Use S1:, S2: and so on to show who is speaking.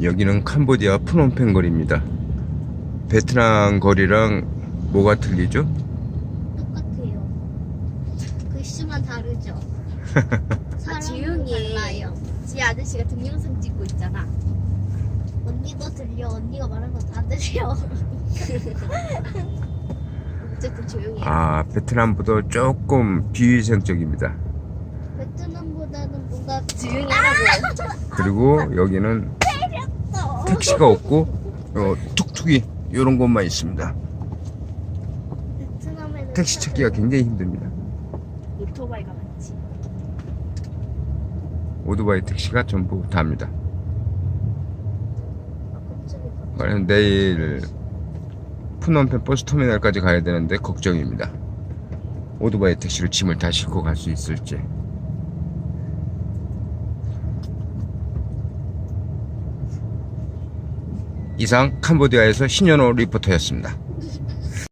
S1: 여기는 캄보디아 프놈펜 거리입니다. 베트남 거리랑 뭐가 틀리죠?
S2: 똑같아요. 글씨만 다르죠.
S3: 지웅이
S2: 달라요.
S3: 지 아저씨가 동영상 찍고 있잖아.
S2: 언니도 들려. 언니가 말하는 거 다 들려.
S3: 어쨌든 조용히 해.
S1: 아, 베트남보다 조금 비위생적입니다.
S2: 베트남보다는 뭔가
S3: 조용히 하라고.
S1: 그리고 여기는 택시가 없고 툭툭이 이런 곳만 있습니다.
S2: 베트남에는
S1: 택시 찾기가 굉장히 힘듭니다.
S3: 오토바이가 많지.
S1: 오토바이 택시가 전부 다입니다.
S2: 갑자기
S1: 그래서 내일 푸놈펜 버스터미널까지 가야 되는데 걱정입니다. 오토바이 택시로 짐을 다 싣고 갈 수 있을지. 이상 캄보디아에서 신현호 리포터였습니다.